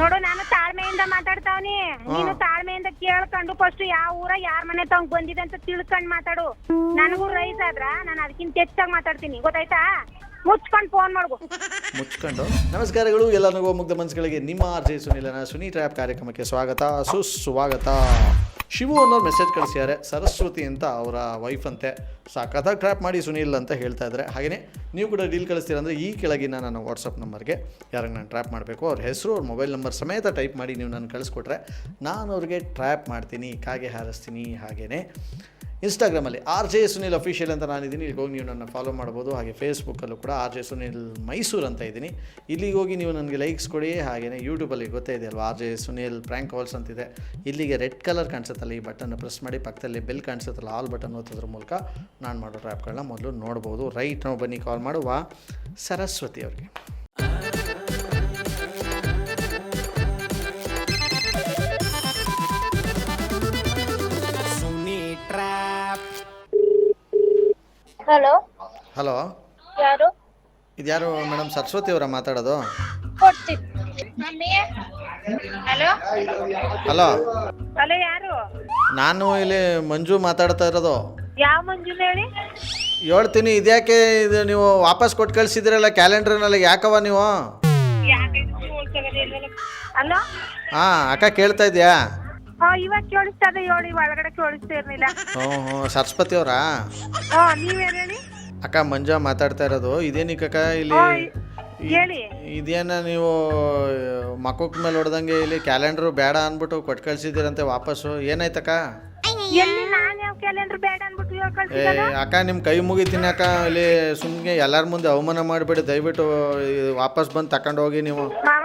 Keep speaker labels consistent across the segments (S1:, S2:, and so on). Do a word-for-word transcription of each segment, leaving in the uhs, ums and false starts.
S1: ನೋಡು ನಾನು ತಾಳ್ಮೆಯಿಂದ ಮಾತಾಡ್ತಾವ್ನಿ, ನೀನು ತಾಳ್ಮೆಯಿಂದ ಕೇಳ್ಕೊಂಡು ಫಸ್ಟ್ ಯಾವ ಊರ ಯಾರ ಮನೆ ತಗೊಂಡ್ ಬಂದಿದೆ ಅಂತ ತಿಳ್ಕೊಂಡ್ ಮಾತಾಡು. ನನಗೂ ರೈಸ್ ಆದ್ರ ನಾನು ಅದಕ್ಕಿಂತ ಹೆಚ್ಚಾಗಿ ಮಾತಾಡ್ತೀನಿ, ಗೊತ್ತಾಯ್ತಾ? ಮುಚ್ಕೊಂಡು ಫೋನ್ ಮಾಡ್ಬೋ.
S2: ಮುಚ್ಕೊಂಡು ನಮಸ್ಕಾರಗಳು ಎಲ್ಲರಿಗೂ ಮುಗ್ಧ ಮನಸ್ಸುಗಳಿಗೆ ನಿಮ್ಮ ಆರ್ ಜೆ ಸುನಿಲನ ಸುನಿ ಟ್ರ್ಯಾಪ್ ಕಾರ್ಯಕ್ರಮಕ್ಕೆ ಸ್ವಾಗತ ಸುಸ್ವಾಗತ. ಶಿವು ಅನ್ನೋರು ಮೆಸೇಜ್ ಕಳಿಸಿದ್ದಾರೆ, ಸರಸ್ವತಿ ಅಂತ ಅವರ ವೈಫ್ ಅಂತೆ, ಸಾಕತ್ತಾಗಿ ಟ್ರ್ಯಾಪ್ ಮಾಡಿ ಸುನಿಲ್ ಅಂತ ಹೇಳ್ತಾ ಇದ್ದಾರೆ. ಹಾಗೆಯೇ ನೀವು ಕೂಡ ಡೀಲ್ ಕಳಿಸ್ತೀರಂದರೆ ಈ ಕೆಳಗಿನ ನನ್ನ ವಾಟ್ಸಪ್ ನಂಬರ್ಗೆ ಯಾರಿಗೆ ನಾನು ಟ್ರ್ಯಾಪ್ ಮಾಡಬೇಕು ಅವ್ರ ಹೆಸರು ಅವ್ರ ಮೊಬೈಲ್ ನಂಬರ್ ಸಮೇತ ಟೈಪ್ ಮಾಡಿ ನೀವು ನಾನು ಕಳಿಸ್ಕೊಟ್ರೆ ನಾನು ಅವ್ರಿಗೆ ಟ್ರ್ಯಾಪ್ ಮಾಡ್ತೀನಿ, ಕಾಗೆ ಹಾರಿಸ್ತೀನಿ. ಹಾಗೆಯೇ ಇನ್ಸ್ಟಾಗ್ರಾಮಲ್ಲಿ ಆರ್ ಜೆ ಸುನಿಲ್ ಅಫಿಷಿಯಲ್ ಅಂತ ನಾನಿದ್ದೀನಿ, ಇಲ್ಲಿಗೆ ಹೋಗಿ ನೀವು ನನ್ನ ಫಾಲೋ ಮಾಡ್ಬೋದು. ಹಾಗೆ ಫೇಸ್ಬುಕ್ಕಲ್ಲೂ ಕೂಡ ಆರ್ ಜೆ ಸುನಿಲ್ ಮೈಸೂರು ಅಂತ ಇದ್ದೀನಿ, ಇಲ್ಲಿಗೆ ಹೋಗಿ ನೀವು ನನಗೆ ಲೈಕ್ಸ್ ಕೊಡಿ. ಹಾಗೆಯೇ ಯೂಟ್ಯೂಬಲ್ಲಿ ಗೊತ್ತೇ ಇದೆ ಅಲ್ವಾ, R J Sunil prank calls ಅಂತಿದೆ. ಇಲ್ಲಿಗೆ ರೆಡ್ ಕಲರ್ ಕಾಣಿಸುತ್ತಲ್ಲ, ಈ ಬಟನ್ನ ಪ್ರೆಸ್ ಮಾಡಿ ಪಕ್ಕದಲ್ಲಿ ಬೆಲ್ ಕಾಣಿಸುತ್ತಲ್ಲ, ಆಲ್ ಬಟನ್ ಒತ್ತೋದ್ರ ಮೂಲಕ ನಾನು ಮಾಡೋ ಟ್ರ್ಯಾಪ್ಗಳನ್ನ ಮೊದಲು ನೋಡ್ಬೋದು. ರೈಟ್ ನಾವು ಬನ್ನಿ ಕಾಲ್ ಮಾಡುವ ಸರಸ್ವತಿ ಅವ್ರಿಗೆ.
S1: ಹಲೋ
S2: ಹಲೋ,
S1: ಯಾರು?
S2: ಇದ್ಯಾರು ಮೇಡಮ್? ಸರಸ್ವತಿ ಅವರ ಮಾತಾಡೋದು?
S1: ಹಲೋ
S2: ಹಲೋ
S1: ಹಲೋ, ಯಾರು?
S2: ನಾನು ಇಲ್ಲಿ ಮಂಜು ಮಾತಾಡ್ತಾ ಇರೋದು.
S1: ಯಾವ ಮಂಜು ಹೇಳಿ?
S2: ಹೇಳ್ತೀನಿ, ಇದ್ಯಾಕೆ ಇದು ನೀವು ವಾಪಸ್ ಕೊಟ್ಟು ಕಳಿಸಿದ್ರಲ್ಲ ಕ್ಯಾಲೆಂಡರ್ನಲ್ಲಿ, ಯಾಕವ ನೀವು?
S1: ಹಲೋ
S2: ಹಾಂ ಅಕ್ಕ ಕೇಳ್ತಾ ಇದೆಯಾ?
S1: ಹಾ ಇವಾಗ ಕೇಳಿಸ್ತದೆ, ಹೇಳಿ. ಒಳಗಡೆ ಕೇಳಿಸ್ತಾ ಇರ್ಲಿಲ್ಲ.
S2: ಹ್ಞೂ ಹ್ಞೂ ಸರಸ್ವತಿ ಅವರಾ?
S1: ಹಾ ನೀವೇನು ಹೇಳಿ?
S2: ಅಕ್ಕ ಮಂಜು ಮಾತಾಡ್ತಾ ಇರೋದು. ಇದೇನಿಕ್ಕಕ್ಕ ಇಲ್ಲಿ
S1: ಹೇಳಿ.
S2: ಇದೇನ ನೀವು ಮಕ್ಕಳ ಮೇಲೆ ಹೊಡೆದಂಗೆ ಇಲ್ಲಿ ಕ್ಯಾಲೆಂಡ್ರು ಬೇಡ ಅಂದ್ಬಿಟ್ಟು ಕೊಟ್ಟು ಕಳ್ಸಿದ್ದೀರಂತೆ ವಾಪಸ್ಸು, ಏನಾಯ್ತಕ್ಕ?
S1: ಎಲ್ಲಿ ನಾನು ಯಾವ ಕ್ಯಾಲೆಂಡರ್ ಬೇಡ ಅನ್ಬಿಟ್ಟು ಇವಾಗ
S2: ಏ
S1: ಕಳ್ಸಿದ್ದಲ್ಲ?
S2: ಅಕ್ಕ ನಿಮ್ಮ ಕೈ ಮುಗಿತೀನಿ ಅಕ್ಕ, ಇಲ್ಲಿ ಸುಮ್ಮನೆ ಎಲ್ಲರ ಮುಂದೆ ಅವಮಾನ ಮಾಡಿಬಿಡಿ, ದಯವಿಟ್ಟು ವಾಪಸ್ ಬಂದು ತಗೊಂಡು ಹೋಗಿ ನೀವು.
S1: ಮಾವ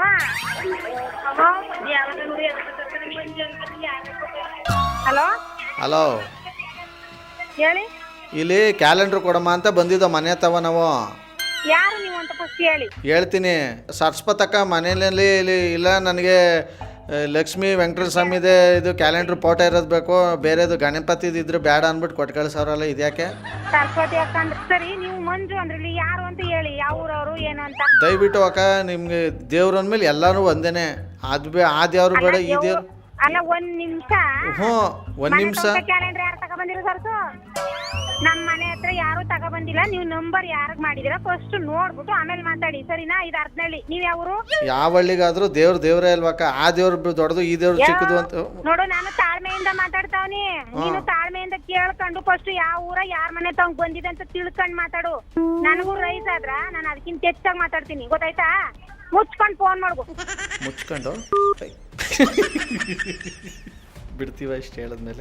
S1: ಹಲೋ
S2: ಹಲೋ
S1: ಹೇಳಿ.
S2: ಇಲ್ಲಿ ಕ್ಯಾಲೆಂಡ್ರ್ ಕೊಡಮ್ಮ ಅಂತ ಬಂದಿದ್ದೋ ಮನೆ ತವ ನಾವು.
S1: ಯಾರು ನೀವು ಅಂತ ಫಸ್ಟ್ ಹೇಳಿ.
S2: ಹೇಳ್ತೀನಿ, ಸರಸ್ವತಕ್ಕ ಮನೆಯಲ್ಲಿ ಇಲ್ಲಿ ಇಲ್ಲ, ನನಗೆ ಲಕ್ಷ್ಮೀ ವೆಂಕಟೇಶ್ವರ ಸ್ವಾಮಿದೆ ಇದು ಕ್ಯಾಲೆಂಡ್ರ್ ಫೋಟೋ ಇರೋದು ಬೇಕು, ಬೇರೆದು ಗಣಪತಿದು ಇದ್ರೆ ಬೇಡ ಅಂದ್ಬಿಟ್ಟು ಕೊಟ್ಟು ಕಳಿಸೋರಲ್ಲ, ಇದ್ಯಾಕೆ?
S1: ಸರಸ್ವತಿ ಅಕ್ಕ ಅಂದ್ರೆ ಸರಿ, ನೀವು ಮಂಜು ಅಂದ್ರೆ ಇಲ್ಲಿ ಯಾರು ಅಂತ ಹೇಳಿ, ಯಾವ ಊರವರು ಏನು ಅಂತ.
S2: ದಯವಿಟ್ಟು ಅಕ್ಕ, ನಿಮಗೆ ದೇವ್ರ ಅಂದಮೇಲೆ ಎಲ್ಲರೂ ಒಂದೇನೆ, ಅದು ಬೇ ಆ ದೇವ್ರು ಬೇಡ ಈ ದೇವ್ರು.
S1: ಅಲ್ಲ ಒಂದ್ ನಿಮಿಷ.
S2: ಹ್ಞೂ ಒಂದು ನಿಮಿಷ.
S1: ಕ್ಯಾಲೆಂಡರ್ ಯಾರು ತಗೊಬಂದಿರೋ ಸರ್ಸು? ನಮ್ಮ ಮನೆ ಹತ್ರ ಯಾರು ತಗೊಬಂದಿಲ್ಲ. ನೀವು ನಂಬರ್ ಯಾರಿಗೆ ಮಾಡಿದಿರಾ ಫಸ್ಟ್ ನೋಡ್ಬಿಟ್ಟು ಆಮೇಲೆ ಮಾತಾಡಿ, ಸರಿನಾ? ಇದು ಅರ್ಧನಳ್ಳಿ. ನೀವ್ ಯಾವರು?
S2: ಯಾವ ಹಳ್ಳಿಗಾದ್ರೂ ದೇವ್ರ ದೇವ್ರೇ ಅಲ್ವಕ್ಕ, ಆ ದೇವ್ರು ದೊಡ್ಡದು ಈ ದೇವ್ರು ಚಿಕ್ಕದು ಅಂತ.
S1: ನೋಡು ನಾನು ತಾಳ್ಮೆಯಿಂದ ಮಾತಾಡ್ತಾವ್ನಿ, ನೀನು ತಾಳ್ಮೆಯಿಂದ ಕೇಳ್ಕೊಂಡು ಫಸ್ಟ್ ಯಾವ ಊರ ಯಾರ ಮನೆ ತಗೊಂಡ್ ಬಂದಿದೆ ಅಂತ ತಿಳ್ಕೊಂಡ್ ಮಾತಾಡು. ನನಗೂ ರೈಸ್ ಆದ್ರ ನಾನು ಅದಕ್ಕಿಂತ ಹೆಚ್ಚಾಗಿ ಮಾತಾಡ್ತೀನಿ, ಗೊತ್ತಾಯ್ತಾ? ಮುಚ್ಕೊಂಡು ಫೋನ್ ಮಾಡ್ಬೋ.
S2: ಮುಚ್ಕೊಂಡು ಬಿಡ್ತೀವ ಇಷ್ಟು ಹೇಳಿದ್ಮೇಲೆ.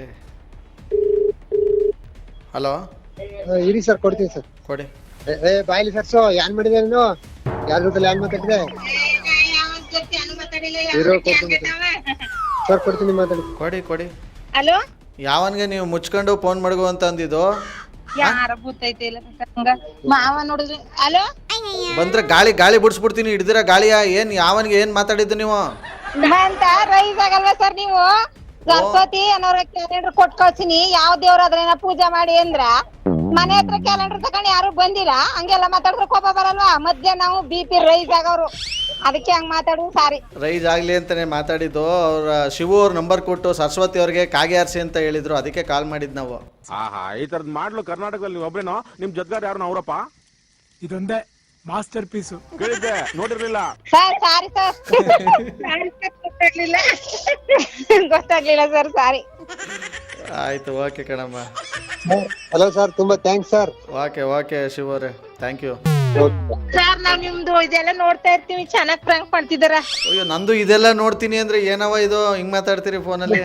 S2: ಹಲೋ
S3: ಇರಿ ಸರ್, ಕೊಡ್ತೀನಿ ಸರ್.
S2: ಕೊಡಿ.
S3: ಏ ಬಾಯ್ಲಿ ಸರ್ಸು, ಏನ್ ಮಾಡಿದೆ ನೀನು? ಯಾರ ಜೊತೆ ಏನ್ ಮಾತಾಡಿದೆ? ಸರ್ ಕೊಡ್ತೀನಿ, ಮಾತಾಡಿ.
S2: ಕೊಡಿ ಕೊಡಿ.
S1: ಹಲೋ
S2: ಯಾವನ್ಗೆ ನೀವು ಮುಚ್ಕೊಂಡು ಫೋನ್ ಮಾಡ್ಗೋ ಅಂತ ಅಂದಿದ್ದು?
S1: ಯಾರ ಗೊತ್ತೈತೆ ಇಲ್ಲ ಮಾವ ನೋಡಿದ್ರಿ. ಹಲೋ
S2: ಬಂದ್ರೆ ಗಾಳಿ ಗಾಳಿ ಬಿಡಿಸ್ಬಿಡ್ತೀನಿ, ಹಿಡ್ದಿರ ಗಾಳಿಯ. ಏನ್ ಯಾವನ್ಗೆ ಏನ್ ಮಾತಾಡಿದ್ದು ನೀವು?
S1: ಅಂತ ರೈಸ್ ಆಗಲ್ವಾ ಸರ್ ನೀವು? ಗಣಪತಿ ಅನ್ನೋರ ಕ್ಯಾಲೆಂಡರ್ ಕೊಟ್ ಕಳ್ಸಿನಿ, ಯಾವ ದೇವ್ರ ಅದ್ರೇನ ಪೂಜೆ ಮಾಡಿ ಅಂದ್ರ ಮನೆ ಹತ್ರ ಕ್ಯಾಲೆಂಡರ್ ತಗೊಂಡು ಯಾರು ಬಂದಿಲ್ಲ. ಹಂಗೆಲ್ಲ ಮಾತಾಡಿದ್ರೆ ಕೋಪ ಬರಲ್ವಾ? ಮಧ್ಯ ನಾವು ಬಿ ಪಿ ರೈಸ್ ಆಗವ್ರು, ಅದಕ್ಕೆ ಹಂಗ್ ಮಾತಾಡುದು. ಸಾರಿ.
S2: ರೈಸ್ ಆಗ್ಲಿ ಅಂತಾನೆ ಮಾತಾಡಿದ್ದು. ಅವ್ರ ಶಿವು ಅವ್ರ ನಂಬರ್ ಕೊಟ್ಟು ಸರಸ್ವತಿ ಅವ್ರಿಗೆ ಕಾಗೆ ಆರ್ಸಿ ಅಂತ ಹೇಳಿದ್ರು, ಅದಕ್ಕೆ ಕಾಲ್ ಮಾಡಿದ್ ನಾವು.
S4: ಆಹಾ, ಈ ತರದ್ ಮಾಡ್ಲು ಕರ್ನಾಟಕದಲ್ಲಿ ನೀವು ಒಬ್ರೇನೋ? ನಿಮ್ ಜೊತೆಗಾರ ಯಾರು ಅವರಪ್ಪ?
S5: ಇದೊಂದೇ ಮಾಸ್ಟರ್ ಪೀಸು.
S4: ಕೇಳಿದ್ದೆ, ನೋಡಿರ್ಲಿಲ್ಲ
S1: ಸರ್. ಸಾರಿ ಸರ್, ಗೊತ್ತಾಗ್ಲಿಲ್ಲ ಗೊತ್ತಾಗ್ಲಿಲ್ಲ ಸರ್, ಸಾರಿ.
S2: ಆಯ್ತು, ಓಕೆ ಕಣಮ್ಮ.
S3: ಹಲೋ ಸರ್, ತುಂಬಾ thanks sir.
S2: Okay okay Shiva ಅವರೇ, ಥ್ಯಾಂಕ್ ಯು.
S1: ಸರ್ ನಾವ್ ನಿಮ್ದು ಇದೆಲ್ಲ ನೋಡ್ತಾ ಇರ್ತೀವಿ, ಚೆನ್ನಾಗ್ ಪ್ರ್ಯಾಂಕ್ ಮಾಡ್ತಿದಾರ.
S2: ಅಯ್ಯೋ, ನಂದು ಇದೆಲ್ಲ ನೋಡ್ತೀನಿ ಅಂದ್ರೆ ಏನವ ಇದು ಹಿಂಗ್ ಮಾತಾಡ್ತೀರಿ ಫೋನಲ್ಲಿ?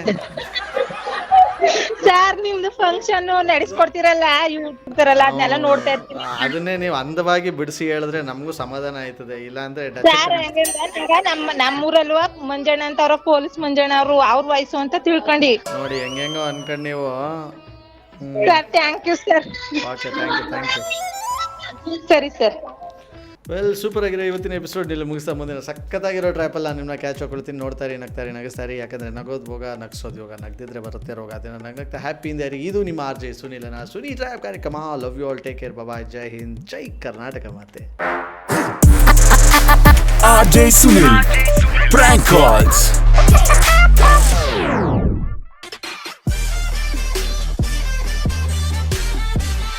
S1: ಸರ್ ನಿಮ್ದು ಫಂಕ್ಷನ್ ನಡೆಸ್ಕೊಡ್ತಿರಲ್ಲ ಯೂಟ್ಯೂಬ್ರಲ್ಲ, ಅದನ್ನೆಲ್ಲ ನೋಡ್ತಾ ಇರ್ತೀವಿ.
S2: ಅದನ್ನೇ ನೀವು ಅಂದವಾಗಿ ಬಿಡಿಸಿ ಹೇಳಿದ್ರೆ ನಮಗೂ ಸಮಾಧಾನ ಆಯ್ತದೆ, ಇಲ್ಲ ಅಂದ್ರೆ
S1: ಸರ್ ಈಗ ನಮ್ಮ ನಮ್ಮೂರಲ್ವ ಮಂಜಣ್ಣ ಅಂತ ಅವ್ರ ಪೊಲೀಸ್ ಮಂಜಣ್ಣ ಅವರು, ಅವ್ರ ವಯಸ್ಸು ಅಂತ ತಿಳ್ಕೊಂಡಿ
S2: ನೋಡಿ ಹೆಂಗೆಂಗೋ ಅನ್ಕೊಂಡ್ ನೀವು.
S1: Sir thank you sir.
S2: Okay, thank you thank you.
S1: ಸರಿ ಸರ್.
S2: ವೆಲ್, ಸೂಪರ್ ಆಗಿರೋ ಇವತ್ತಿನ ಎಪಿಸೋಡ್ ಇಲ್ಲಿ ಮುಗಿಸ್ತಾ ಮುಂದಿನ ಸಕ್ಕತ್ತಾಗಿರೋ ಟ್ರ್ಯಾಪಲ್ಲ ನಿಮ್ಮನ್ನ ಕ್ಯಾಚ್ ಹಾಕೊಳ್ತೀನಿ. ನೋಡ್ತಾರೆ, ನಗ್ತಾರೆ, ನಗಿಸ್ತಾರೆ. ಯಾಕಂದರೆ ನಗೋದು ಭೋಗ, ನಗಿಸೋದು ಯೋಗ, ನಗ್ದಿದ್ರೆ ಬರುತ್ತೆ ರೋಗ. ಅದನ್ನು ನಗ್ನಗ್ತಾ ಹ್ಯಾಪಿಯಿಂದ ಇರಿ. ಇದು ನಿಮ್ಮ ಆರ್ ಜೆ ಸುನಿಲನ ಸುನಿ ಟ್ರ್ಯಾಪ್ ಕಾರ್ಯಕ್ರಮ. Love you all, take care, bye, ಜೈ ಹಿಂದ್, ಜೈ ಕರ್ನಾಟಕ ಮಾತೆ.
S5: R J Sunil.
S6: Prank calls.